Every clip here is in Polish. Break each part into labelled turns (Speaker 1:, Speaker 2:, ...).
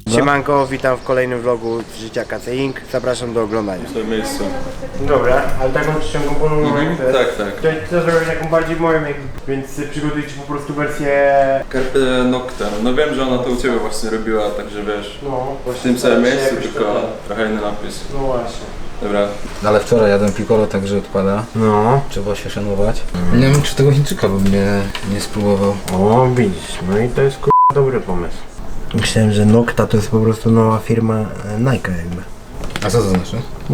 Speaker 1: Siemanko, witam w kolejnym vlogu z życia KC Inc. Zapraszam do oglądania.
Speaker 2: W tym miejscu.
Speaker 1: Dobra, ale taką czcionką ponowną jak to jest.
Speaker 2: Tak.
Speaker 1: To zrobić taką bardziej moją, więc przygotujcie po prostu wersję...
Speaker 2: Carpe Noctem. No wiem, że ona to u Ciebie właśnie robiła, także wiesz.
Speaker 1: No,
Speaker 2: W tym samym miejscu, tylko trochę inny napis.
Speaker 1: No właśnie.
Speaker 2: Dobra.
Speaker 3: Ale wczoraj jadłem piccolo, także odpada.
Speaker 1: No.
Speaker 3: Trzeba się szanować. Nie wiem, czy tego Chińczyka bym nie spróbował.
Speaker 1: O, widzisz, no i to jest dobry pomysł. Myślałem, że Nocta to jest po prostu nowa firma Nike jakby.
Speaker 3: A co to znaczy?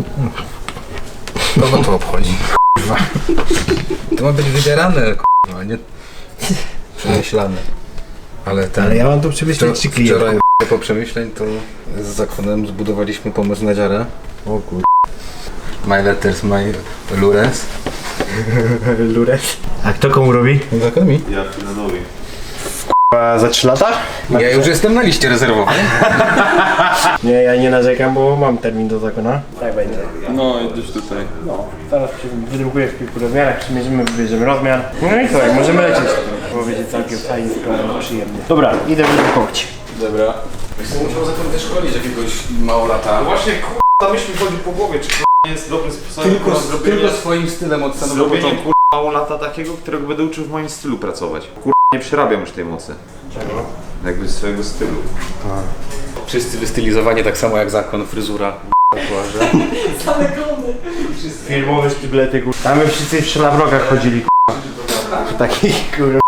Speaker 3: Kogo to obchodzi? Kurwa. To ma być wybierane, kurwa, nie przemyślane.
Speaker 1: Ale ja mam tu przemyśleć czy klient.
Speaker 3: Wczoraj po przemyśleń to z Zakonem zbudowaliśmy pomysł na dziarę.
Speaker 1: O kur...
Speaker 3: My letters, my lures.
Speaker 1: Lures. A kto komu robi?
Speaker 3: Zakon mi?
Speaker 2: Ja Filanowi.
Speaker 1: Za 3 lata?
Speaker 3: Ja już jestem na liście rezerwowej.
Speaker 1: Nie, ja nie narzekam, bo mam termin do zakona. Tak będzie.
Speaker 2: No, idziesz tutaj.
Speaker 1: No, zaraz wydrukuję w kilku rozmiarach, przymierzymy, wybierzemy rozmiar. No i co, możemy lecieć. Bo będzie całkiem fajnie, przyjemnie. Dobra, idę wydrukować.
Speaker 2: Dobra.
Speaker 3: Jestem musiał Zakon też szkolić jakiegoś małolata.
Speaker 4: Właśnie k***a myśl mi chodzi po głowie, czy k***a jest dobrym sposobem
Speaker 3: Tylko swoim stylem od samego
Speaker 4: zrobienie
Speaker 3: początku.
Speaker 4: k***a mało lata takiego, którego będę uczył w moim stylu pracować. K***a nie przerabiam już tej mocy.
Speaker 1: Czego?
Speaker 4: Jakby swojego stylu.
Speaker 3: Wszyscy wystylizowani tak samo jak Zakon, fryzura.
Speaker 1: Filmowe sztyblety, kur... Tam my wszyscy w szlafrokach chodzili, kur... W takich, kur...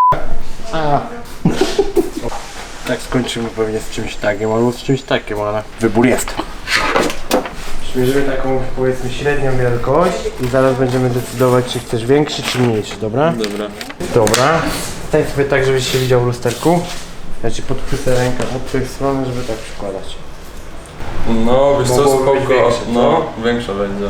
Speaker 1: Tak skończymy pewnie z czymś takim, albo z czymś takim, ale wybór jest. Przymierzymy taką, powiedzmy, średnią wielkość i zaraz będziemy decydować, czy chcesz większy, czy mniejszy, dobra?
Speaker 2: Dobra.
Speaker 1: Dobra. Stań sobie tak, żebyś się widział w lusterku. Ja ci podchwycę rękę od tej strony, żeby tak przykładać.
Speaker 2: No, wiesz co,
Speaker 1: Mogłoby być
Speaker 2: spoko.
Speaker 1: większe, co?
Speaker 2: No, większa będzie.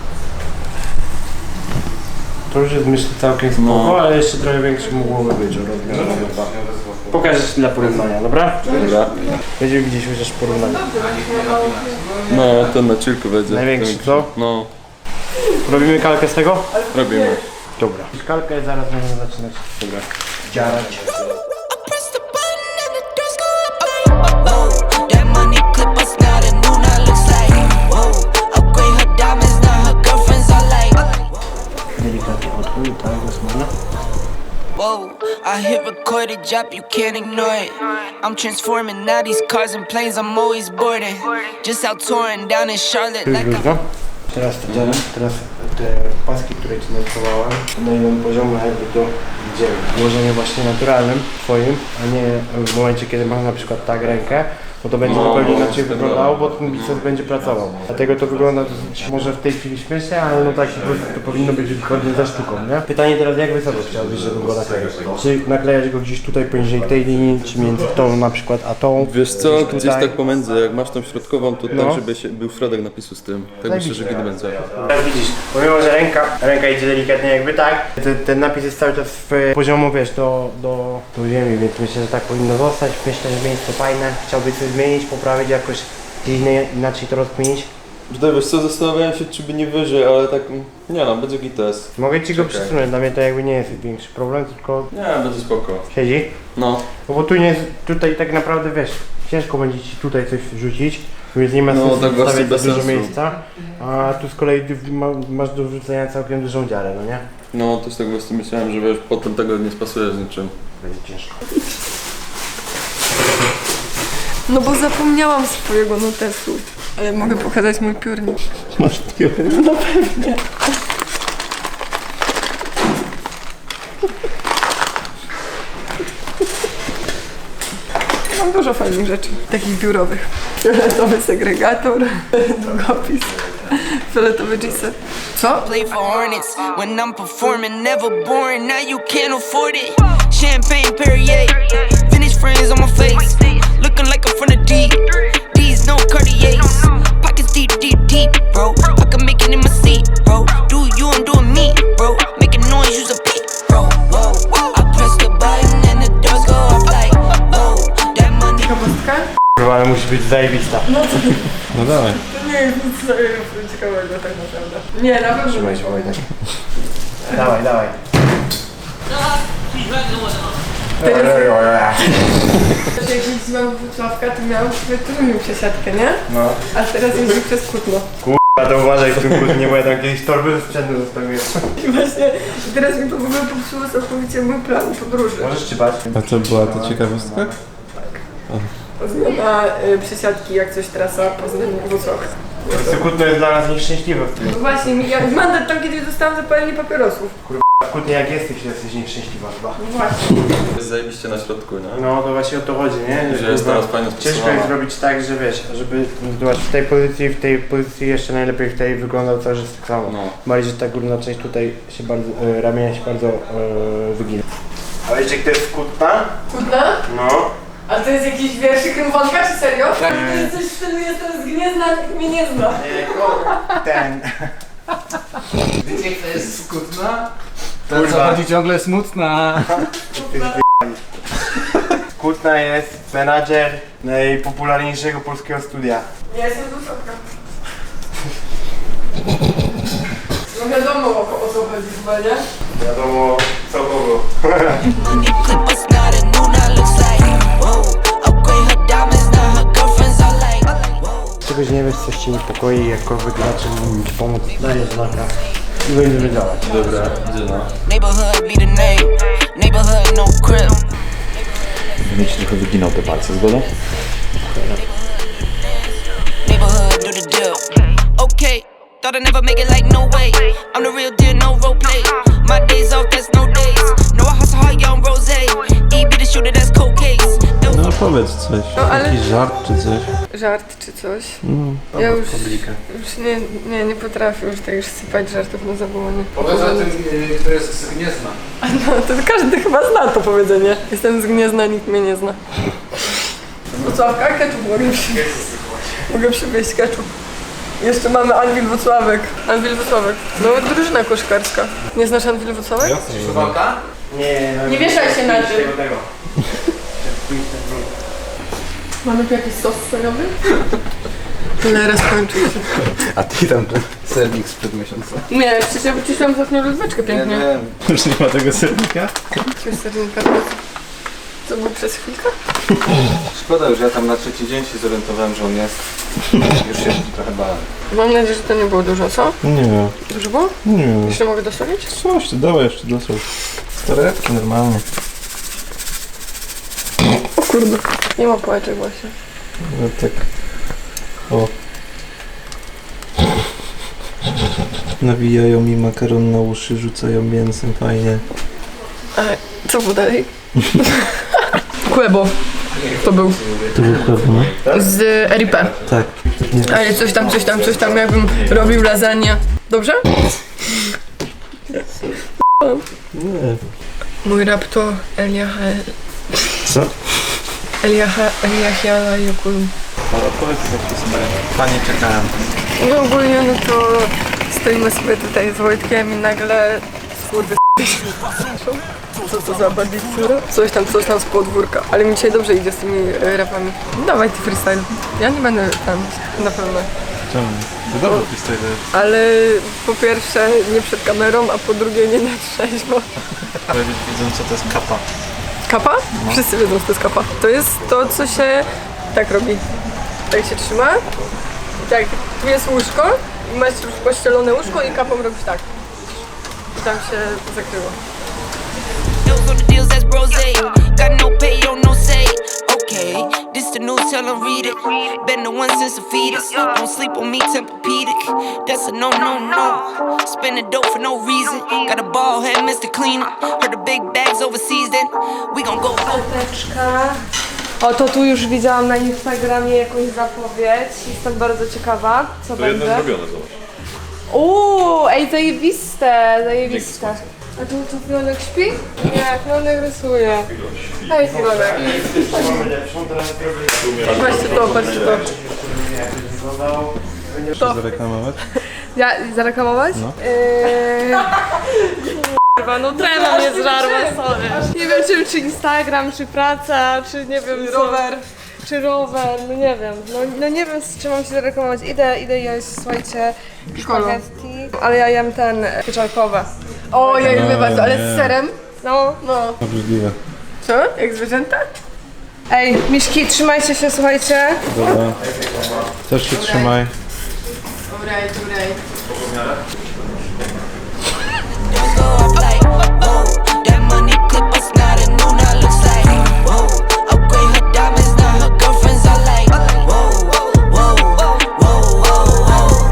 Speaker 1: To już jest, myślę, całkiem spoko,
Speaker 2: No.
Speaker 1: ale jeszcze trochę większy mogłoby być o rozmiarze. Pokażę ci dla porównania, dobra?
Speaker 2: Dobra.
Speaker 1: Będziemy widzieć chociaż porównanie.
Speaker 2: No, ten na chillku będzie.
Speaker 1: Największy,
Speaker 2: Ten-
Speaker 1: co?
Speaker 2: No,
Speaker 1: Robimy kalkę z tego?
Speaker 2: robimy.
Speaker 1: Dobra. Kalkę zaraz będziemy zaczynać. Dobra. Dziarać.
Speaker 5: Press the button and the doors go up. Whoa, that money clip us now. The new now looks like. Whoa, upgrade her diamonds now. Her girlfriends are like.
Speaker 1: Delikatnie odchój, tak, zasłona.
Speaker 5: Whoa, I hit record a drop, you can't ignore it. I'm transforming now these cars and planes. I'm always boarding. Just out touring down in Charlotte
Speaker 1: Tu już
Speaker 5: like
Speaker 1: luźno. Teraz to dziarę, teraz te paski, które ci narysowałem, na jednym poziomie jakby to idziemy. Włożenie właśnie naturalnym twoim, a nie w momencie, kiedy masz na przykład tak rękę, bo to będzie zupełnie inaczej wyglądało, bo ten biceps będzie pracował. Dlatego to wygląda dosyć, może w tej chwili śmiesznie, ale no tak po prostu to powinno być zgodnie ze sztuką, nie? Pytanie teraz, jak wysoko chciałbyś, żebym go nakleił? Czy naklejać go gdzieś tutaj poniżej tej linii, czy między tą na przykład a tą?
Speaker 2: Wiesz co, gdzieś
Speaker 1: tutaj?
Speaker 2: tak pomiędzy, jak masz tą środkową, to
Speaker 1: No.
Speaker 2: tak, żeby był środek napisu z tym. Tak myślę, że gdy będzie.
Speaker 1: Tak widzisz, pomimo, że ręka idzie delikatnie jakby tak, ten napis jest cały czas w poziomu, wiesz, do ziemi, więc myślę, że tak powinno zostać. Myślę, że miejsce fajne, chciałbyś coś zmienić, poprawić jakoś, gdzieś inaczej to rozkminić.
Speaker 2: Tutaj wiesz co, zastanawiałem się, czy by nie wyżej, ale tak, nie no, będzie gites.
Speaker 1: Mogę ci go
Speaker 2: Czekaj.
Speaker 1: przesunąć, dla mnie to jakby nie jest większy problem, tylko
Speaker 2: Nie, będzie spoko.
Speaker 1: siedzi.
Speaker 2: No,
Speaker 1: No bo tutaj tak naprawdę, wiesz, ciężko będzie ci tutaj coś wrzucić, więc nie ma
Speaker 2: No,
Speaker 1: sensu
Speaker 2: tak właśnie
Speaker 1: zostawiać za
Speaker 2: bez
Speaker 1: dużo
Speaker 2: sensu.
Speaker 1: miejsca, a tu z kolei masz do wrzucenia całkiem dużą dziarę, no nie?
Speaker 2: no też tak właśnie myślałem, że wiesz, potem tego nie spasuje z niczym.
Speaker 1: Będzie ciężko.
Speaker 6: No bo zapomniałam swojego notesu. Ale mogę pokazać mój piórnik.
Speaker 1: Masz pióry? No pewnie.
Speaker 6: Mam dużo fajnych rzeczy, takich biurowych. Fioletowy segregator, długopis, fioletowy G-set. Co?
Speaker 5: play for Hornets. When I'm performing, never boring. Now you can't afford it. Champagne Perrier, vintage friends on my face. Looking like I'm from the deep. These no Cartiers. Pockets deep, deep, deep, bro. I can make it in my seat, bro. Do you, I'm doing me, bro. Making noise, use a peep, bro. Whoa, I press the button and the doors go up like, whoa. That money.
Speaker 6: Ciekawostka?
Speaker 1: Kurwa, ale musi być zajebista.
Speaker 2: No dawaj.
Speaker 6: To nie jest nic ciekawego tak naprawdę. Nie, na pewno.
Speaker 1: Trzymaj się, Wojtek. Dawaj, dawaj.
Speaker 6: że jak jeździłam do Wrocławka, to miałam sobie trudną przesiadkę, nie?
Speaker 1: No.
Speaker 6: A teraz jeździ przez Kutno.
Speaker 1: A to uważaj w tym kłótnie, bo ja tam jakieś torby ze sprzętu zostawiłem.
Speaker 6: I właśnie teraz mi to w ogóle popsuło całkowicie mój plan podróży.
Speaker 1: Możesz czytać.
Speaker 2: A co była to ciekawostka?
Speaker 6: Zmiana przesiadki, jak coś trasa Poznań-Wrocław.
Speaker 1: To Kutno jest dla nas nieszczęśliwe w tym.
Speaker 6: No właśnie, ja mandat tam kiedyś dostałam za palenie papierosów.
Speaker 1: W Kutnie jak jesteś nieszczęśliwa chyba.
Speaker 6: No właśnie.
Speaker 2: Jest zajebiście na środku, nie?
Speaker 1: No to właśnie o to chodzi, nie?
Speaker 2: Że jest
Speaker 1: kurwa,
Speaker 2: teraz fajnie
Speaker 1: ciężko
Speaker 2: stosowana.
Speaker 1: jest zrobić tak, że wiesz, żeby zobacz, w tej pozycji jeszcze najlepiej w tej wyglądał cały czas tak samo.
Speaker 2: No.
Speaker 1: Bardziej, że ta górna część tutaj się bardzo, ramienia się bardzo wygina. A wiecie kto jest z Kutna?
Speaker 6: Kutna?
Speaker 1: No.
Speaker 6: A to jest jakiś wierszyk rymwanka, czy serio? To jest coś w stylu, jestem z Gniezna, nikt mnie nie zna.
Speaker 1: Ten.
Speaker 3: Wiecie, kto jest skutna? Ten,
Speaker 1: Kurwa.
Speaker 3: co chodzi ciągle smutna.
Speaker 1: Kutna jest menadżer najpopularniejszego polskiego studia.
Speaker 6: Ja jestem z Wrocławka. No wiadomo o co chodzi chyba, nie?
Speaker 1: Wiadomo co kogo.
Speaker 5: Clip us now, the new now looks like. Whoa, upgrade her diamonds, now her girlfriends are like. Whoa.
Speaker 1: Czegoś nie wiesz, coś cię niepokoi, jakkolwiek zaczął ci pomóc, dajesz znaka i będziemy działać.
Speaker 2: Dobra, gdzie no?
Speaker 5: Neighborhood be the name. Neighborhood no crib.
Speaker 4: Będę ci trochę wyginał te palce, zgoda?
Speaker 5: Neighborhood do the deal. Okay, thought I'd never make it like no way. I'm the real deal, no role play. My days off, that's no days. No, I hustle hard, young rose. E be the shooter, that's cold case.
Speaker 2: No powiedz coś,
Speaker 6: No, ale-
Speaker 2: jakiś żart czy coś.
Speaker 6: Żart czy coś? Ja już nie potrafię już tak już sypać żartów na zawołanie.
Speaker 3: Powiedz o tym, kto jest z Gniezna.
Speaker 6: No to każdy chyba zna to powiedzenie. Jestem z Gniezna, nikt mnie nie zna. Wrocławka, ketchup mogę przywieźć ketchup. Jeszcze mamy Anwil Wrocławek. Anwil Wrocławek. No drużyna koszkarska. Nie znasz Anwil Wrocławek?
Speaker 3: Suwałka?
Speaker 6: Nie wieszaj się na tym. Mamy tu jakiś sos sojowy? Tyle raz kończy się.
Speaker 3: A ty tam sernik sprzed miesiąca.
Speaker 6: Nie, przecież ja wyciszyłam ostatnią lodóweczkę pięknie.
Speaker 2: Już nie ma tego sernika?
Speaker 6: Jakiegoś sernika. Co był przez chwilkę?
Speaker 3: Szkoda już, ja tam na trzeci dzień się zorientowałem, że on jest. Już się trochę bałem.
Speaker 6: Mam nadzieję, że to nie było dużo, co?
Speaker 2: Nie wiem,
Speaker 6: Dużo było?
Speaker 2: nie wiem.
Speaker 6: Jeszcze mogę dosolić?
Speaker 2: Coś, ty dawaj jeszcze do coś. Torebki normalnie.
Speaker 6: O kurde, nie ma pałeczek właśnie.
Speaker 2: No tak. O. Nawijają mi makaron na uszy, rzucają mięsem, fajnie.
Speaker 6: A co było dalej? Kłebo. To był.
Speaker 2: To był pewno.
Speaker 6: Z RIP.
Speaker 2: Tak.
Speaker 6: Ale coś tam jakbym robił lasagne. Dobrze?
Speaker 2: Nie.
Speaker 6: Mój rap to Eliaha...
Speaker 2: Co?
Speaker 6: Eliahiala Jokulum.
Speaker 2: Ale powiedz jakieś swoje. Panie czekałem.
Speaker 6: No ogólnie no to stoimy sobie tutaj z Wojtkiem i nagle skurwy co to za bandicura? Coś tam z podwórka. Ale mi dzisiaj dobrze idzie z tymi rapami. Dawaj ty freestyle. Ja nie będę tam na pewno.
Speaker 2: Czemu? To dobry freestyle.
Speaker 6: Ale po pierwsze nie przed kamerą, a po drugie nie na trzeźwo.
Speaker 2: Ale widzą co to jest kapa.
Speaker 6: Kapa? Wszyscy wiedzą, co to jest kapa. To jest to, co się tak robi. Tak się trzyma. I tak, tu jest łóżko i masz już pościelone łóżko i kapą robisz tak. I tam się zakryło.
Speaker 5: Deals on the deals, that's brose. Got no pay, on no say. Okay, this the news, tell them read it. Been the one since the fetus. Don't sleep on me, Tempur-Pedic. That's a no, no, no. Spending dope for no reason. Got a ball head, Mr. Cleaner. Heard the big bags overseas, then we gon' go.
Speaker 7: O, to tu już widziałam na Instagramie jakąś zapowiedź. Jestem bardzo ciekawa, co będzie.
Speaker 4: zrobione, zobacz.
Speaker 7: Ej, zajebiste, zajebiste. A tu Filonek śpi? Nie, Filonek rysuje. Hej, Filonek.
Speaker 6: Patrzcie to, patrzcie to.
Speaker 2: Zareklamować?
Speaker 7: Ja, zareklamować? No. Kurwa, no trema mnie zżarła, sorry. Nie wiem, czy Instagram, czy praca, czy nie wiem, rower. Czy rower, no nie wiem. No nie wiem, z czym mam się zareklamować. Idę jeść, słuchajcie, spaghetti. Ale ja jem ten pieczarkowe.
Speaker 6: O, ja lubię bardzo, ale z serem.
Speaker 7: No.
Speaker 2: Obrzydliwe.
Speaker 6: Co? Jak zwierzęta?
Speaker 7: Ej, miszki, trzymajcie się, słuchajcie.
Speaker 2: Dobra. Też się trzymaj.
Speaker 5: Go up like, whoa, that money clip us not a new, now looks like, whoa, upgrade her diamonds, now her girlfriends are like, whoa, whoa, whoa, whoa, whoa.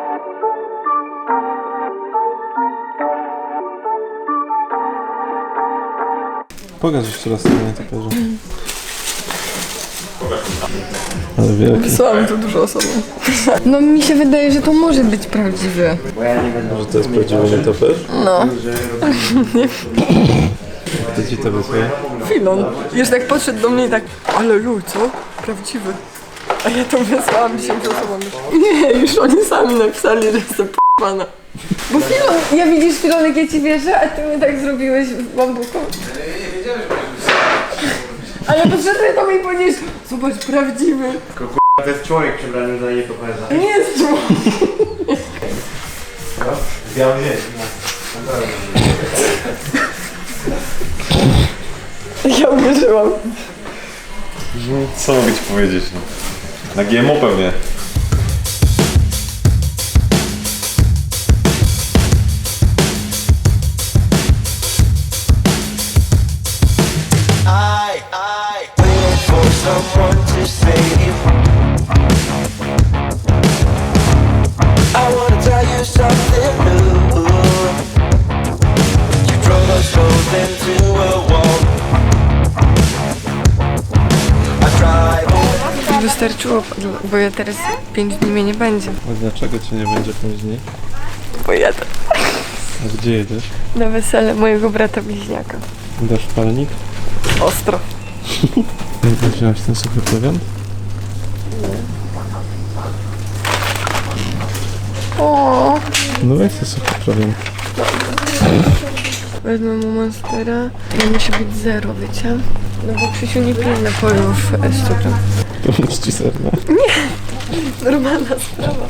Speaker 2: Pokaż jeszcze raz sobie na takerze. Ale wielki.
Speaker 6: Wysłałam to dużo osobom. No mi się wydaje, że to może być prawdziwe.
Speaker 1: Bo ja nie będę...
Speaker 2: Że to jest prawdziwy nietoperz?
Speaker 6: No.
Speaker 2: Kto ci to wysłał?
Speaker 6: Filon. Już tak podszedł do mnie i tak, ale luj, co? Prawdziwy. A ja to wysłałam 10 osobom już. Nie, już oni sami napisali, że jestem p***ana. Bo Filon, ja widzisz Filon, jak ja ci wierzę, a ty mnie tak zrobiłeś w bambuku. Ale podszedłem do mnie i powiedziałeś, zobacz, prawdziwy.
Speaker 1: To jest człowiek przebrany za nietoperza.
Speaker 6: Nie jest człowiek.
Speaker 1: Ja wiem.
Speaker 6: Ja uwierzyłam.
Speaker 4: Co mogę ci powiedzieć? No? Na GMO pewnie.
Speaker 5: Waiting for someone to save. I wanna tell you something new. You drove us both into a wall. I drive.
Speaker 6: Wystarczyło, bo ja teraz 5 dni mnie nie będzie.
Speaker 2: A dlaczego cię nie będzie później?
Speaker 6: Bo jadę
Speaker 2: A gdzie jedziesz?
Speaker 6: na wesele mojego brata bliźniaka.
Speaker 2: Dasz palnik?
Speaker 6: Ostro.
Speaker 2: Wziąłeś ten suchy prowiant?
Speaker 6: O,
Speaker 2: No weź ten suchy prowiant.
Speaker 6: wezmę mu Monstera. To musi być 0, wiecie? No bo Krzysiu nie pije napojów z cukrem.
Speaker 2: Pomóż ci serna.
Speaker 6: Normalna sprawa.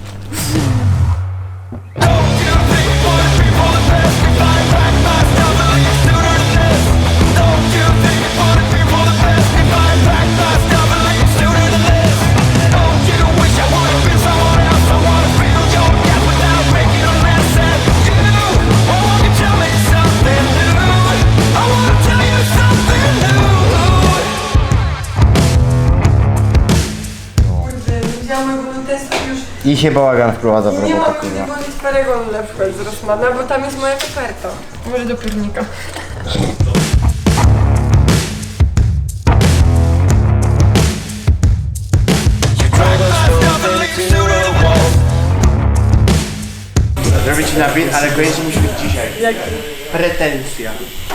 Speaker 1: I się bałagan wprowadza w
Speaker 6: Nie
Speaker 1: robotę,
Speaker 6: mogę
Speaker 1: kurwa.
Speaker 6: włożyć Paragon na przykład z Rossmana, bo tam jest moja koperta. Może do piórnika.
Speaker 1: Zrobię ci napis, ale koniecznie musi być dzisiaj.
Speaker 6: Jaki?
Speaker 1: Pretensja.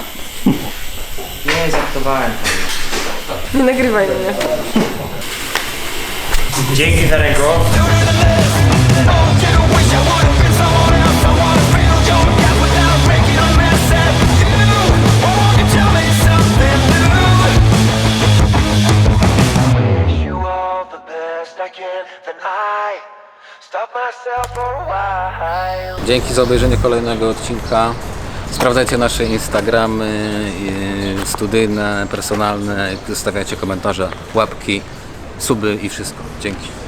Speaker 1: Nie, żartowałem.
Speaker 6: Nie nagrywaj mnie.
Speaker 1: Dzięki za ręko.
Speaker 5: You all the best I can, then I stop myself for a while.
Speaker 3: Dzięki za obejrzenie kolejnego odcinka. Sprawdzajcie nasze Instagramy, studyjne, personalne, zostawiajcie komentarze, łapki, suby i wszystko. Dzięki.